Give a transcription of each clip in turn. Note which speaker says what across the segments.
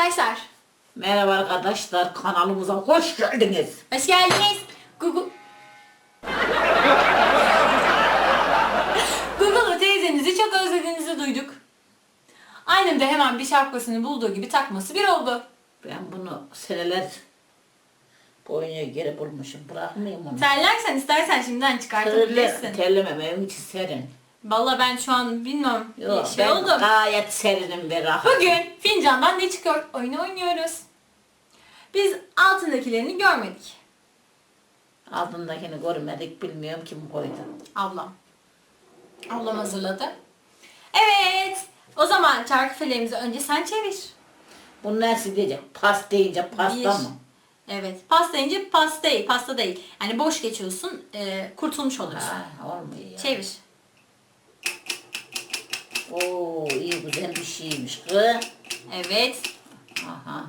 Speaker 1: arkadaşlar.
Speaker 2: Merhaba arkadaşlar, kanalımıza hoş geldiniz.
Speaker 1: Hoş geldiniz. Google'da teyzenizi çok özlediğinizi duyduk. Annem de hemen bir şapkasını bulduğu gibi takması bir oldu.
Speaker 2: Ben bunu seneler boyunca geri bulmuşum. Bırakmayayım onu.
Speaker 1: Terlersen istersen şimdiden çıkartabilirsin.
Speaker 2: Terlemem, evin içi serin.
Speaker 1: Vallahi ben şu an bilmiyorum.
Speaker 2: Yok, ben
Speaker 1: oldum.
Speaker 2: gayet serinim ve rahat.
Speaker 1: Bugün fincandan ne çıkıyor? Oyunu oynuyoruz. Biz altındakilerini görmedik.
Speaker 2: Altındakini görmedik, bilmiyorum kim koydu.
Speaker 1: Ablam. Ablam hazırladı. Evet. O zaman çarkıfelerimizi önce sen çevir.
Speaker 2: Bu nasıl diyecek? Pas deyince pasta
Speaker 1: Bir.
Speaker 2: mı?
Speaker 1: Evet. Pasta deyince pasta değil. Yani boş geçiyorsun, kurtulmuş oluyorsun.
Speaker 2: Ha, olmuyor ya.
Speaker 1: Çevir.
Speaker 2: Oo, iyi güzel bir şeymiş kız.
Speaker 1: Evet.
Speaker 2: Aha.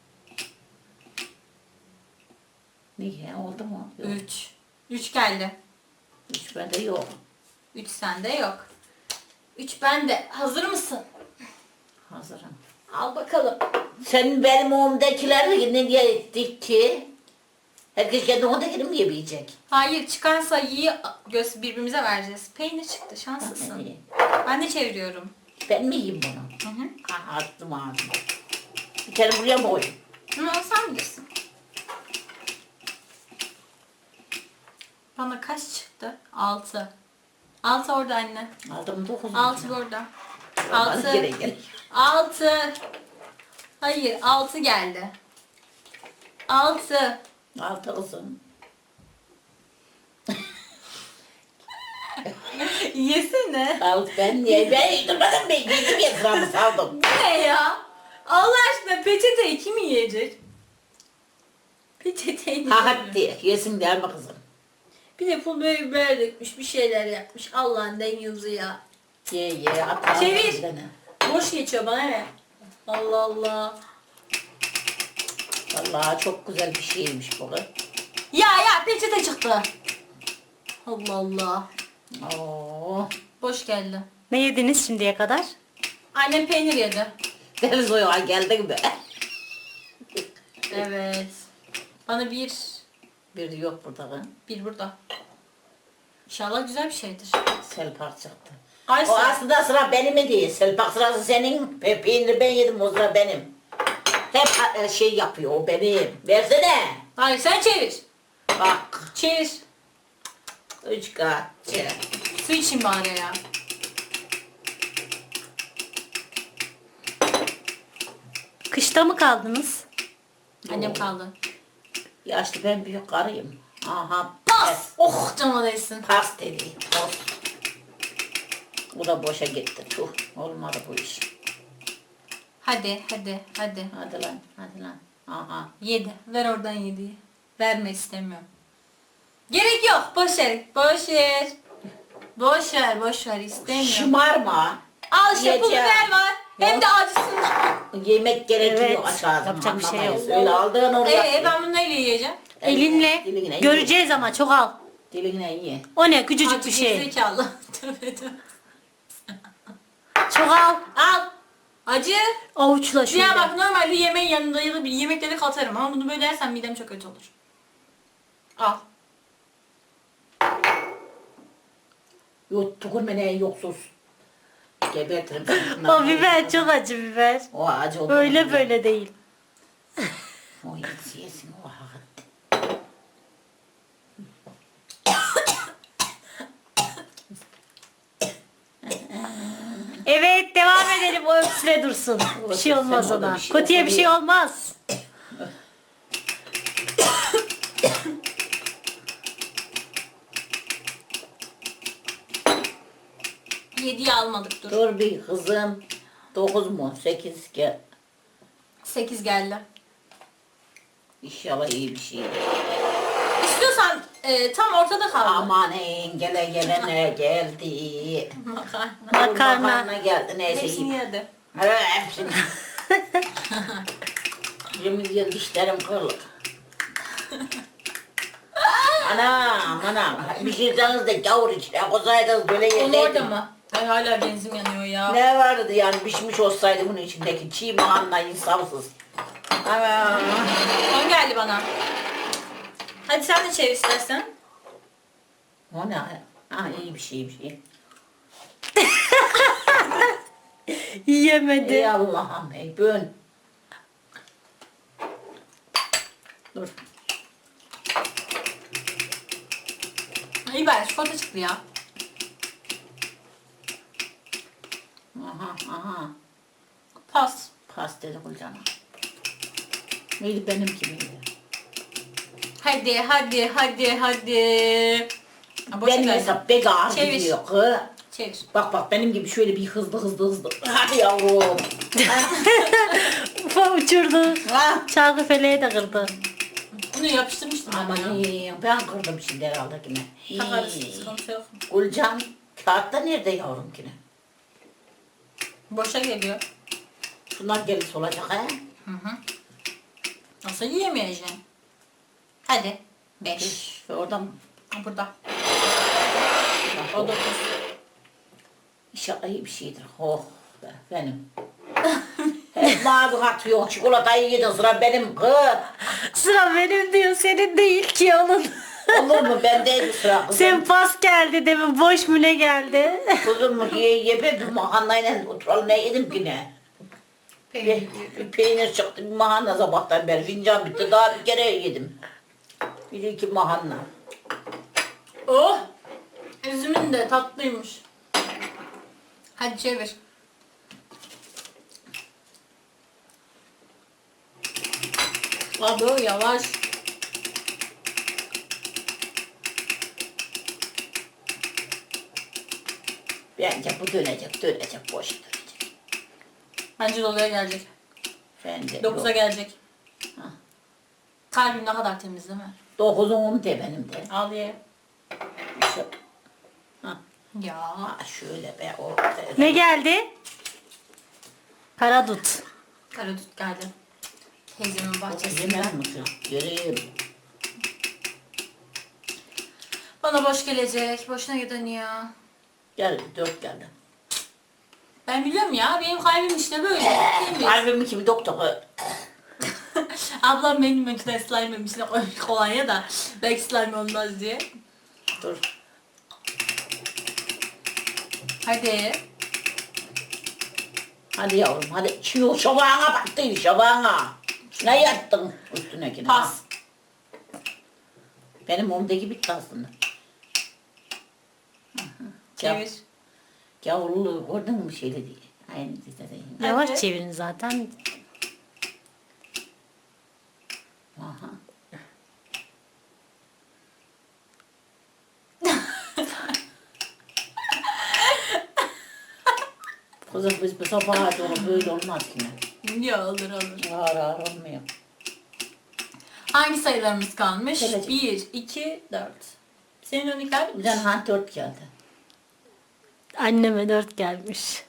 Speaker 2: Niye oldu mu? Yok.
Speaker 1: 3. 3 geldi.
Speaker 2: Hiç bende yok.
Speaker 1: 3 sende yok. 3 bende. Hazır mısın?
Speaker 2: Hazırım.
Speaker 1: Al bakalım.
Speaker 2: Sen benim oğumdakileri ne diye ettik ki? Herkes kendi oğumdakini mi yemeyecek?
Speaker 1: Hayır, çıkan sayıyı birbirimize vereceğiz. Peynir çıktı. Şanslısın.
Speaker 2: İyi.
Speaker 1: Ben de çeviriyorum.
Speaker 2: Ben mi yiyeyim bunu?
Speaker 1: Hı hı.
Speaker 2: Aha, attım ağzıma. Bir kere buraya mı koyayım?
Speaker 1: Ama sen bilirsin. Bana kaç çıktı? 6. 6 orada anne.
Speaker 2: Aldım 9.
Speaker 1: 6 burada.
Speaker 2: Bana
Speaker 1: 6.
Speaker 2: gene gel.
Speaker 1: 6. Hayır, 6 geldi. 6.
Speaker 2: 6 kızım.
Speaker 1: Yesene.
Speaker 2: Al ben niye? Ben yedirmedim, ben yedim ya, sıramı saldım.
Speaker 1: Bu ne ya? Allah aşkına peçeteyi kim yiyecek? Peçeteyi
Speaker 2: Ha hadi yesin der mi kızım?
Speaker 1: Bir de pul biber dökmüş, bir şeyler yapmış. Allah'ın dengezi ya.
Speaker 2: Ye at.
Speaker 1: Çevir.
Speaker 2: Bir tane.
Speaker 1: Boş geçiyor bana ne? Allah Allah.
Speaker 2: Vallahi çok güzel bir şeymiş bu kız.
Speaker 1: Ya peçete çıktı. Allah Allah.
Speaker 2: Oo.
Speaker 1: Boş geldi.
Speaker 3: Ne yediniz şimdiye kadar?
Speaker 1: Annem peynir yedi.
Speaker 2: Deniz oyağa geldik be.
Speaker 1: Evet. Bana bir
Speaker 2: Bir yok burada kız.
Speaker 1: burada. İnşallah güzel bir şeydir.
Speaker 2: Selpak çıktı.
Speaker 1: Ay
Speaker 2: O
Speaker 1: sen-
Speaker 2: aslında sıra benim mi değil. Selpak sırası senin. Peyniri ben yedim, o sıra benim. Hep şey yapıyor, o benim. Versene.
Speaker 1: Hayır sen çevir.
Speaker 2: Bak.
Speaker 1: Çevir.
Speaker 2: 3 kat.
Speaker 1: Su için bari ya.
Speaker 3: Kışta mı kaldınız?
Speaker 1: Annem kaldı.
Speaker 2: Yaşlı ben büyük karıyım. Aha.
Speaker 1: Pas. Oh canıma değsin.
Speaker 2: Pas dedi. Pas. Bu da boşa gitti. Tuh. Olmadı bu iş.
Speaker 1: Hadi.
Speaker 2: Hadi lan. Aha.
Speaker 1: 7. Ver oradan 7'yi. Verme istemiyorum. Gerek yok. Boş ver. İstemiyorum.
Speaker 2: Şımarma.
Speaker 1: Al işte pul
Speaker 2: Yiyeceğim.
Speaker 1: biber var. Hem de acısın.
Speaker 2: Yemek gerekiyor,
Speaker 3: Evet,
Speaker 2: aç ağzını.
Speaker 3: yapacak bir şey yok.
Speaker 2: Anlamayız. Öyle aldığın oraya.
Speaker 1: Ben bunu neyle yiyeceğim?
Speaker 3: Elinle.
Speaker 2: Diline
Speaker 3: Göreceğiz ama çok al.
Speaker 2: Diline ye.
Speaker 3: O ne küçücük
Speaker 1: Acı
Speaker 3: bir şey.
Speaker 1: gerizekalı. Tövbe.
Speaker 3: Çok al.
Speaker 1: Al. Acı.
Speaker 3: Avuçla şöyle.
Speaker 1: Ya bak normalde yemeğin yanında ya da bir yemekleri katarım ama bunu böyle yersen midem çok kötü olur. Al.
Speaker 2: Yok tükürme ne yoksuz. Gebertirim seni.
Speaker 3: O biber çok acı biber.
Speaker 2: O acı oldu.
Speaker 3: Öyle böyle değil.
Speaker 2: O yesin o hakat.
Speaker 3: Evet devam edelim o öksüre dursun. Bir şey olmaz
Speaker 2: Sen orada
Speaker 3: ona.
Speaker 2: bir şey
Speaker 3: Kötüye bir şey olmaz.
Speaker 1: Yediği almadık dur.
Speaker 2: Dur bir kızım. 9 mu? 8 gel.
Speaker 1: 8 geldi.
Speaker 2: İnşallah iyi bir şey.
Speaker 1: İstiyorsan tam ortada kaldı.
Speaker 2: Aman gelene geldi.
Speaker 1: Makarna.
Speaker 3: Makarna.
Speaker 2: geldi neyse
Speaker 1: Hepsini
Speaker 2: iyi.
Speaker 1: yedi.
Speaker 2: Evet hepsini. Yemin yıl dişlerim kırılır. Anam. Bir şey canınız da gavur içine koysaydınız böyle
Speaker 1: Onu
Speaker 2: yerleydi.
Speaker 1: orada mı? Ay hala benzin yanıyor ya.
Speaker 2: Ne vardı yani pişmiş olsaydı bunun içindeki çiğ mahanla insafsız. Ama
Speaker 1: Son geldi bana. Hadi sen de çevir istersen.
Speaker 2: o ne? Ha iyi bir şey, iyi bir şey.
Speaker 3: Yiyemedi.
Speaker 2: Ey Allah'ım ey bön. Dur.
Speaker 1: İyi bari çikolata çıktı ya.
Speaker 2: Aha.
Speaker 1: Pas.
Speaker 2: Pas dedi Gülcan'a. Neydi benimki miydi?
Speaker 1: Hadi. Ha, boşa
Speaker 2: Benim
Speaker 1: geldi.
Speaker 2: hesap pek ağır
Speaker 1: Çevir.
Speaker 2: gidiyor. Kız.
Speaker 1: Çevir.
Speaker 2: Bak benim gibi şöyle bir hızlı. Hadi yavrum.
Speaker 3: Ufa uçurdu.
Speaker 2: Ha.
Speaker 3: Çalgı feleği de kırdı.
Speaker 1: Bunu yapıştırmıştım
Speaker 2: Aman
Speaker 1: ben ya.
Speaker 2: iyi. Ben kırdım şimdi herhalde yine.
Speaker 1: Takarız.
Speaker 2: İyi.
Speaker 1: Sıkıntı yok.
Speaker 2: Gülcan kağıtta nerede yavrum yine?
Speaker 1: Boşa geliyor.
Speaker 2: Şunlar gelirse olacak ha.
Speaker 1: Nasıl yiyemeyeceksin? Hadi. 5.
Speaker 2: Orada mı?
Speaker 1: Burada. O 9.
Speaker 2: İnşallah iyi bir şeydir. Oh be, benim. Hep mavi katıyor. Çikolatayı yedin sıra benim kız.
Speaker 3: Sıra benim diyor, senin değil ki onun.
Speaker 2: Olur mu? Bendeydi sıra kızım.
Speaker 3: Sen pas geldi demin, boş mu ne geldi?
Speaker 2: Kızım mu ye bir mahanayla oturalım ne yedim ki ne? Bir peynir çıktı bir mahanna sabahtan beri fincan bitti daha bir kere yedim. Bir iki mahanna.
Speaker 1: Oh! Üzümün de tatlıymış. Hadi çevir. Abi yavaş.
Speaker 2: Bence bu dönecek boş dönecek.
Speaker 1: Bence doluya gelecek.
Speaker 2: Bence
Speaker 1: 9'a
Speaker 2: yok.
Speaker 1: gelecek.
Speaker 2: Ha.
Speaker 1: Kalbim ne kadar temiz değil mi?
Speaker 2: 9'un 10 de benim de.
Speaker 1: Al ye.
Speaker 2: Şu- Ha.
Speaker 1: Ya.
Speaker 2: Ha şöyle be o.
Speaker 3: Ne geldi? Karadut.
Speaker 1: Karadut geldi. Teyzemin bahçesinden.
Speaker 2: Yemez misin? Göreyim.
Speaker 1: Bana boş gelecek. Boşuna giden ya.
Speaker 2: Gel 4 geldi.
Speaker 1: Ben biliyorum ya. Benim kalbim işte böyle. Değil mi?
Speaker 2: Kalbimi kimi doktor.
Speaker 1: Ablam benim önceden slime içine koymuş kolonya da belki slime olmaz diye.
Speaker 2: Dur.
Speaker 1: Hadi.
Speaker 2: Hadi yavrum hadi. Şu şabağına baktın şabağına. Ne yattın üstüne ki?
Speaker 1: Pas.
Speaker 2: Benim omdaki bitti aslında.
Speaker 1: Çevir.
Speaker 2: Gavurluğu gördün mü şeyle diye. Aynı dedi.
Speaker 3: Yavaş
Speaker 1: Evet.
Speaker 3: çevirin zaten.
Speaker 2: Aha. Kızım biz bu sabaha doğru böyle olmaz ki ne?
Speaker 1: Ya olur olur.
Speaker 2: Ağır ağır olmuyor.
Speaker 1: Hangi sayılarımız kalmış?
Speaker 2: Gelecek.
Speaker 1: 1, 2, 4. Senin örnekler
Speaker 2: Bir
Speaker 1: bitmiş.
Speaker 2: tane han 4 geldi.
Speaker 3: Anneme 4 gelmiş.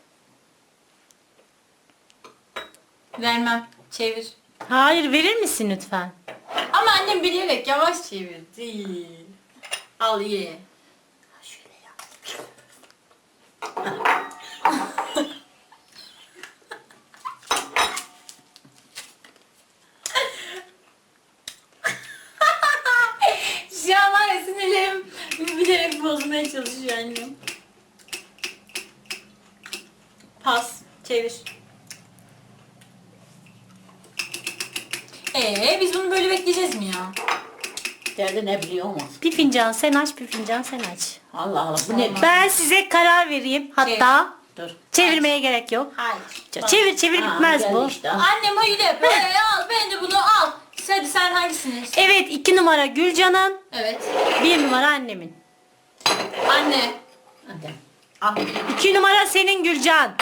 Speaker 1: Vermem. Çevir.
Speaker 3: Hayır, verir misin lütfen?
Speaker 1: Ama annem bilerek yavaş çevirdi. Al ye.
Speaker 2: Ha, şöyle yap.
Speaker 1: Şu an var ya sinirlerim bilerek bozmaya çalışıyor annem. Pas. Çevir. Biz bunu böyle bekleyeceğiz mi ya?
Speaker 2: Derdi ne biliyor musun?
Speaker 3: Bir fincan sen aç, bir fincan sen aç.
Speaker 2: Allah Allah bu ne?
Speaker 3: Ben size karar vereyim. Hatta
Speaker 2: Dur.
Speaker 3: çevirmeye gerek yok.
Speaker 1: Hayır.
Speaker 3: Çevir
Speaker 2: Ha,
Speaker 3: bitmez
Speaker 2: geldi
Speaker 3: bu.
Speaker 2: işte.
Speaker 1: Annem hayır hep böyle al. Ben de bunu al. Hadi sen hangisini?
Speaker 3: Evet, 2 numara Gülcan'ın,
Speaker 1: Evet.
Speaker 3: 1 numara annemin.
Speaker 1: Anne.
Speaker 2: Hadi. Al.
Speaker 3: 2 numara senin Gülcan.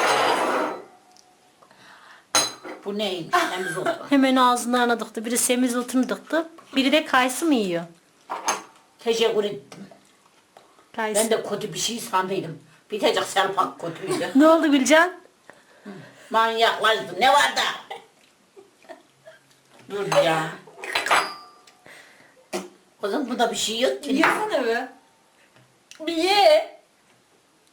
Speaker 2: Bu ne? Temiz oldu.
Speaker 3: Hemen ağzından dıktı. Biri semizotunu dıktı. Biri de kayısı mı yiyor?
Speaker 2: Teşekkür ettim.
Speaker 3: Kayısı.
Speaker 2: Ben de kötü bir şey sandıydım. Bitecek selpak kötüydü.
Speaker 3: Ne oldu Gülcan?
Speaker 2: Manyaklaştı. Ne var da? Dur ya. Kızım bunda bir şey yok ki.
Speaker 1: Yesene be. Bir ye.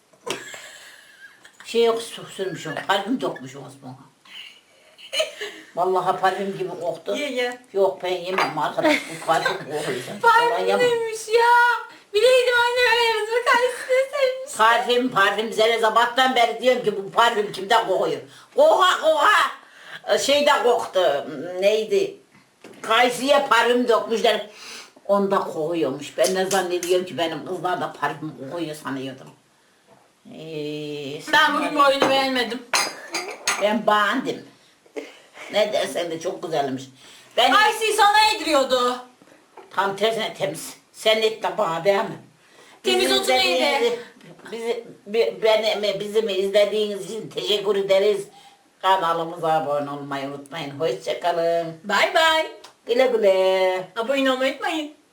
Speaker 2: Şey yok sürmüş o. Kalbim dokmuş o Osman'a. Vallahi parfüm gibi koktu.
Speaker 1: Ye.
Speaker 2: Yok ben yemem arkadaş bu parfüm kokuyor.
Speaker 1: Parfüm neymiş ya? Bileydim annem ayarızı karşısına sevmiş.
Speaker 2: Parfüm bize sabahtan beri diyorum ki bu parfüm kimden kokuyor? Koka. Şeyde koktu. Neydi? Kayısıya parfüm dökmüşler. Onda kokuyormuş. Ben ne zannediyorum ki benim kızlar da parfüm kokuyor sanıyordum.
Speaker 1: Ben bugün bu oyunu beğenmedim.
Speaker 2: Ben beğendim. Ne dersen de çok güzelmiş. Ben
Speaker 1: Ayşe'yi sana yediriyordu.
Speaker 2: tam tersine temiz. Sen et de bana değil mi?
Speaker 1: Temiz
Speaker 2: Bizi
Speaker 1: otu neydi?
Speaker 2: Bizim izlediğiniz için teşekkür ederiz. Kanalımıza abone olmayı unutmayın. Hoşçakalın.
Speaker 1: Bay bay.
Speaker 2: Güle güle.
Speaker 1: Abone olmayı unutmayın.